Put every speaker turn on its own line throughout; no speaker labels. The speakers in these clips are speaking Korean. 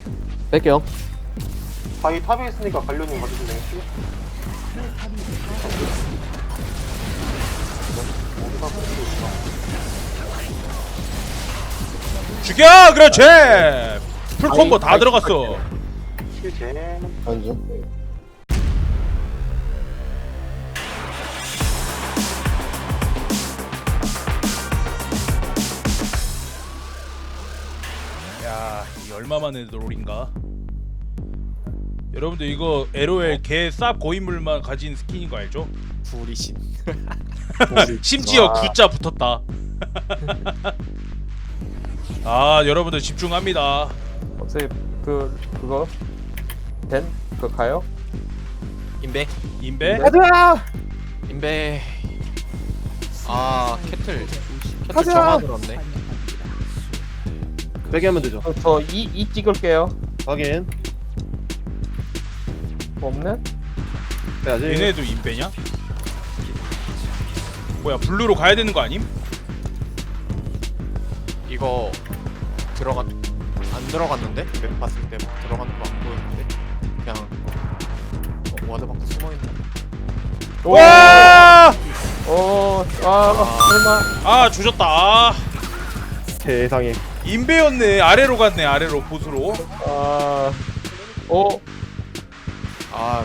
뺄게요.
바위 탑에 있으니까 관료님 봐주시면 되겠지?
죽여! 그렇지! 풀콤보 다 들어갔어.
실제
안주.
야, 이 얼마만에 롤인가? 여러분들 이거 LOL 개 쌉 고인물만 가진 스킨인 거 알죠?
불이신.
심지어
와.
구자 붙었다. 아, 여러분들 집중합니다.
어차피 그거 된? 그거 가요?
인베.
인베?
가자!
인베. 아 캐틀. 캐틀
가자!
정화 들었네.
빼게 하면 되죠.
저 이 찍을게요.
확인.
없네?
빼야지.
얘네도 인베냐? 뭐야, 블루로 가야 되는 거 아님?
이거 안 들어갔는데? 맵 봤을 때 들어가는 거 안 보였는데? 그냥 와드 밖에 숨어 있네.
와!
설마.
아, 조졌다. 아,
세상에.
인베였네. 아래로 갔네. 아래로 보스로.
아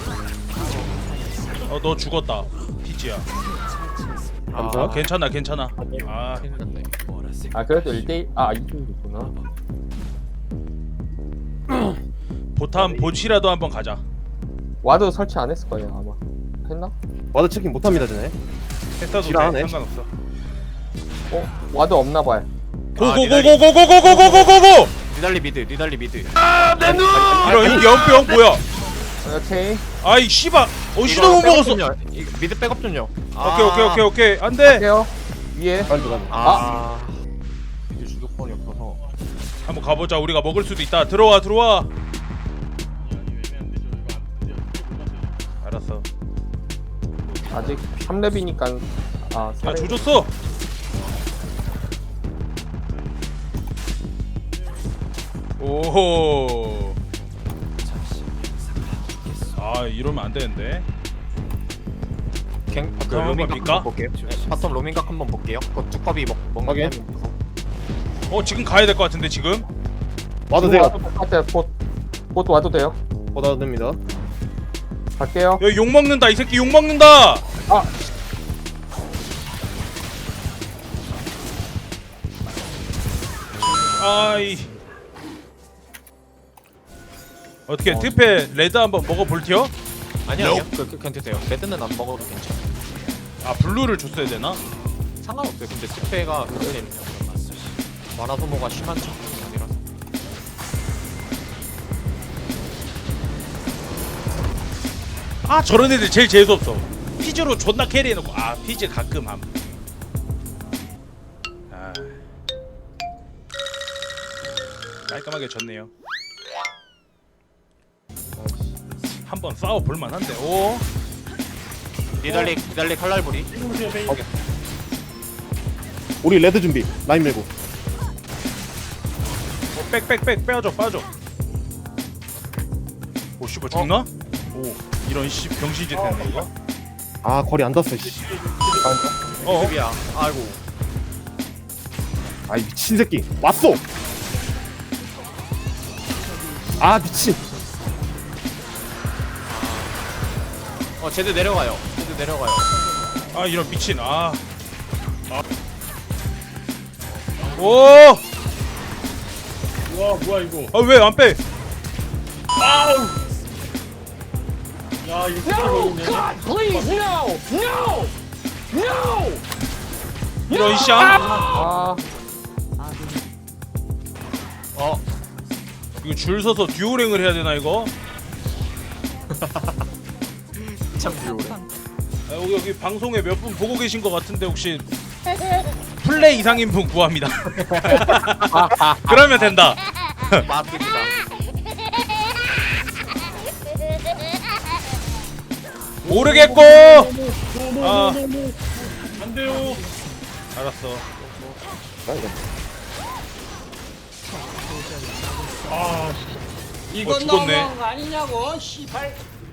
너 죽었다. 피지야.
감사.
괜찮아, 괜찮아. 아,
큰일 났네.
그래도 1대1. 2등이구나.
보탐 보치라도 한번 가자.
와드 설치 안 했을 거예요, 아마. 했나?
와드 체킹 못합니다, 쟤네.
했어도 돼.
지랄하네.
상관없어.
와드 없나 봐요.
고고고고고고고고고고고!
니달리 미드. 니달리 미드.
이런 연병 뭐야?
오케이.
아이 씨발. 시도 못 먹었어.
미드 백업 좀요.
오케이. 안 돼.
할게요. 위에.
빨리 들어가네.
미드 주도권이 없어서.
한번 가보자. 우리가 먹을 수도 있다. 들어와. 알았어.
아직 3렙이니까.
야, 조졌어. 오호. 아, 이러면 안 되는데.
그
한번
로밍각
볼까?
한번 볼게요. 바텀 로밍각 한번 볼게요. 그 뚜껑이 먹는
확인.
타이밍 보고.
지금 가야 될 것 같은데 지금.
와도 돼요.
똑같아요. 곧 와도 돼요.
와도 됩니다.
갈게요.
야, 욕 먹는다. 이 새끼 욕 먹는다. 아이. 어떻게 특패 레드 한번 먹어볼티요?
아니요. 괜찮대요. 레드는 안 먹어도 괜찮아.
아, 블루를 줬어야 되나?
상관없어요. 근데 스페가 그게 만화 소모가 심한 작품이 아니라서.
아, 저런 애들 제일 재수없어. 피즈로 존나 캐리해놓고. 아, 피즈 가끔 함. 아, 깔끔하게 졌네요. 한번 싸워 볼만한데. 오.
니달리 칼날부리.
우리 레드 준비. 라인 밀고.
빽 빼줘. 오, 씨발 죽나? 오, 이런 씨 병신짓 했네 이거.
아, 거리 안 닿았어, 씨.
수비야. 아이고.
아이, 미친 새끼. 왔어! 아, 미친.
제드 내려가요.
아, 이런 미친. 오!
와 뭐야 이거.
아, 왜 안 빼?
야 이거 no, God, please,
이런 샹. 이거 줄 서서 듀오랭을 해야 되나 이거?
참 비오래.
여기 방송에 몇 분 보고 계신 것 같은데 혹시 플레이 이상인 분 구합니다. 그러면 된다.
맞습니다.
모르겠고.
안 돼요.
알았어.
아,
이건
죽었네.
너무한 거 아니냐고 씨발.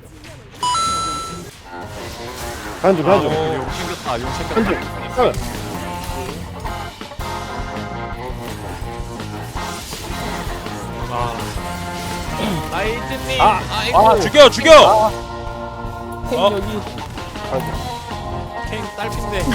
가는 중 가는 중.
용 챙겼다. 용 챙겼다. 라이트님. 아이고.
죽여 죽여.
탱
어?
여기.
캥 딸핀데.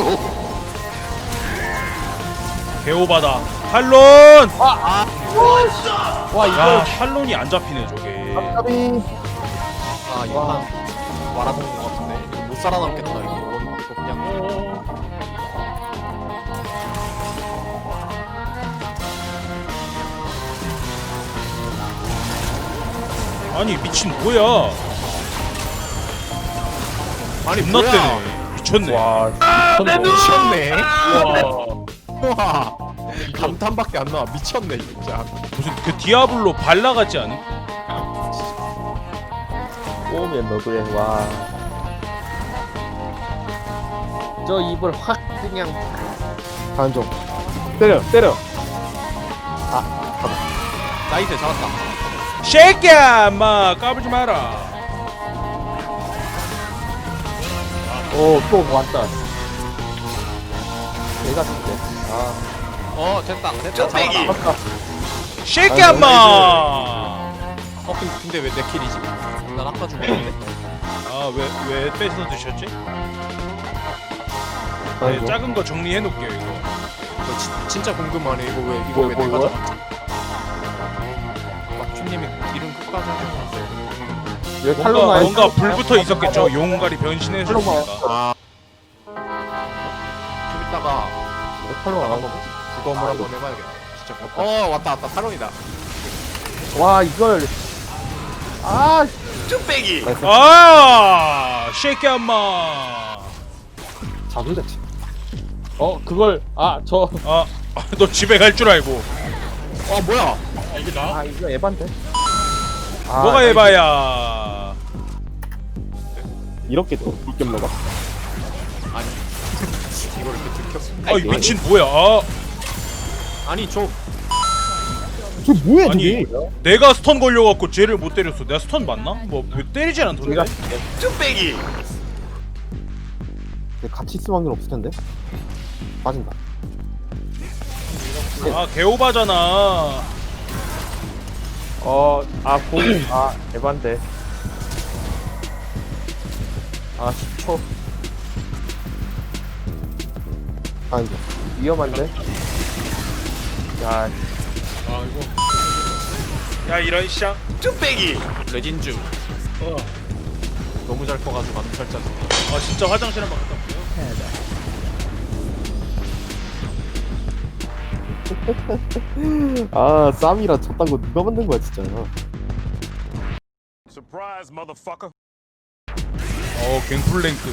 개오바다. 탈론.
와
야
이거
탈론이 안 잡히네 저게.
까비.
아 이거 말아본 것 같은데. 이거 못 살아남겠다 이거. 이거 그냥.
아니 미친 뭐야?
아니
존나
뭐야?
때네. 미쳤네.
와.
미쳤네.
와.
와. 감탄밖에 안 나와. 미쳤네 진짜.
무슨 그 디아블로 발라 같지 않은?
오면 너도해. 와. 저 입을 확 그냥. 가는 중. 때려 때려.
나이스 잡았다.
쉐이키야 마 까불지 마라.
오또 왔다. 내가 진짜. 아.
됐다. 잡았다.
쉐이키야 마.
근데 왜 내 킬이지? 난 아까 죽었는데.
아왜 뺏어 드셨지? 네,
가는 중.
작은 거 정리해 놓을게요 이거.
이거 진짜 궁금하네. 이거 왜 내가
뭐?
잡았지? 막주님이 이름 끝까지 해주셨어요.
왜 탈론 와요?
뭔가 불붙어 있었겠죠. 용가리 변신해줬으니까.
아. 좀 이따가
왜 탈론 안
한번
하고?
구검을 한번 해봐야겠다. 진짜. 왔다 탈론이다.
와 이걸. 아.
쭈빼기.
쉐이키야 마.
자동 자체. 그걸
너 집에 갈 줄 알고.
뭐야?
아, 이게 나?
이거 에반데.
뭐가 해봐야.
이렇게 또 이겸 먹어.
아니 이걸 이렇게 들켰어.
아이 미친 뭐야?
아니 저
저 뭐야
아니 내가 스턴 걸려갖고 쟤를 못 때렸어. 내가 스턴 맞나? 왜 때리지 않던데?
내가
쭈빼기.
같이 있을 확률 없을 텐데. 빠진다.
개오바잖아.
에반데. 10초. 이제 위험한데. 야,
아, 이거.
야 이런 샹.
쭈빼기. 레진주. 너무 잘 커가지고 안 살짝.
진짜 화장실 한번 갔다 올게요.
쌈이라 쳤단 거 누가 만든 거야 진짜.
갱플랭크.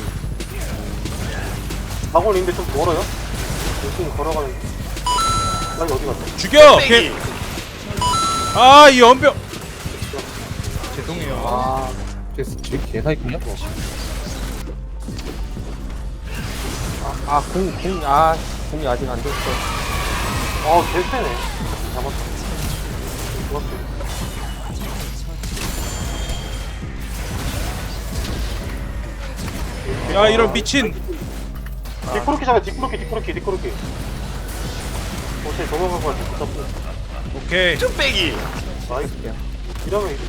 학원 있는데 좀 멀어요? 열심히 걸어가는데. 나 어디 갔어?
죽여. 이 연병. 죄송해요.
제 개사이구나. 공이 아직 안 됐어.
개쎄네. 잡았다. 좋았어.
야 이런 미친.
디코르키 잡아, 디코르키. 쟤 도망갈 것 같아. 잡고.
오케이.
쭈빼기.
나이스. 이러면 이제.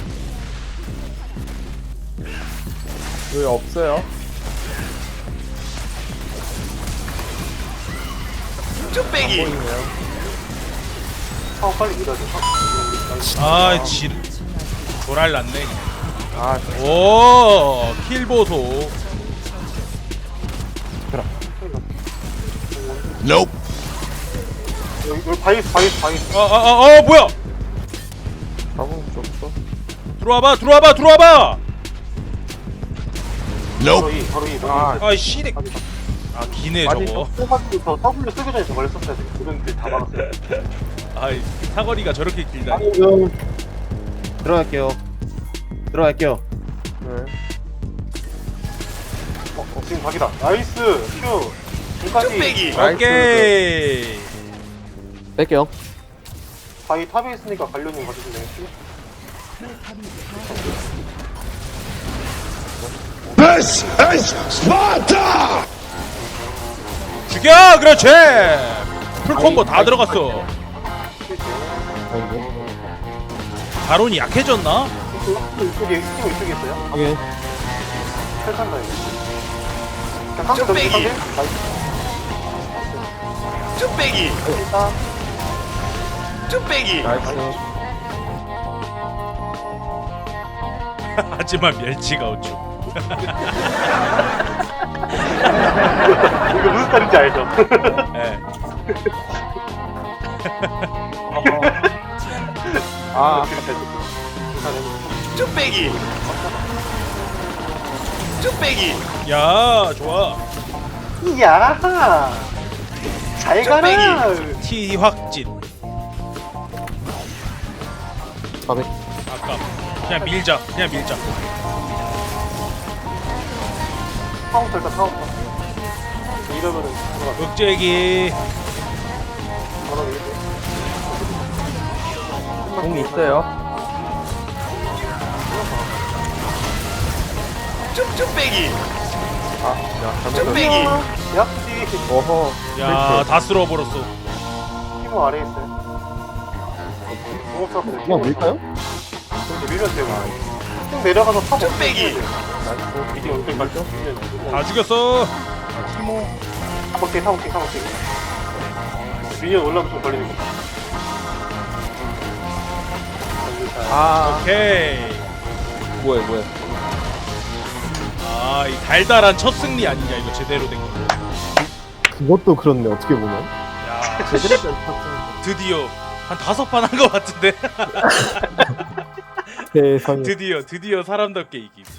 여기 없어요.
쭈빼기.
빨리 밀어줘.
질. 조랄 났네. 오, 킬 보소.
여기 바이스.
뭐야?
잡은 게 없어.
들어와봐.
바로 이.
씨네. 기네 저거.
뽑아주면서 W 쓰기 전에 저걸 했었어야 돼. 그런 데다 막았어요.
사거리가 저렇게 길다니.
들어갈게요.
네. 지금 각이다. 나이스. 큐. 지금까지.
쭈빼기.
오케이.
뺄게요.
바위 탑에 있으니까 관련님 가주실래요?
죽여! 그렇지! 풀콤보 다 들어갔어.
아이고.
바론이 약해졌나?
이쪽에 있어요?
확인.
탈탄다 이거. 그냥 한번 더 이상해?
쭈빼기
일단
쭈빼기
나이스.
하지만 멸치가 우측.
이거 무슨 스타일인지 알죠?
예.
아,
쭈빼기 쭈빼기
야, 좋아.
이야 잘 가라.
T 확진.
400.
아까 그냥 밀자. 그냥 밀자.
카운터 일단 카운터. 이러면은 들어가.
억제기.
바로 이렇게.
공이 있어요.
쭈빼기
아, 야, 잘못
쭈빼기
약지
어허.
야, 다 쓸어버렸어.
티모 아래에 있어요. 공업사업들
그냥 밀까요?
근데 밀면 돼요. 쭉 내려가서 탑
쭈빼기
나이스.
이게 어떻게 갈죠?
다 죽였어.
타볼게. 미니언 올라오면 좀 걸리는 거.
아,
오케이.
뭐야.
아, 이 달달한 첫 승리 아니냐 이거 제대로 된 거.
그것도 그렇네, 어떻게 보면.
야,
제대로 된
드디어 한 5판 한 거 같은데.
세상에.
드디어 사람답게 이김.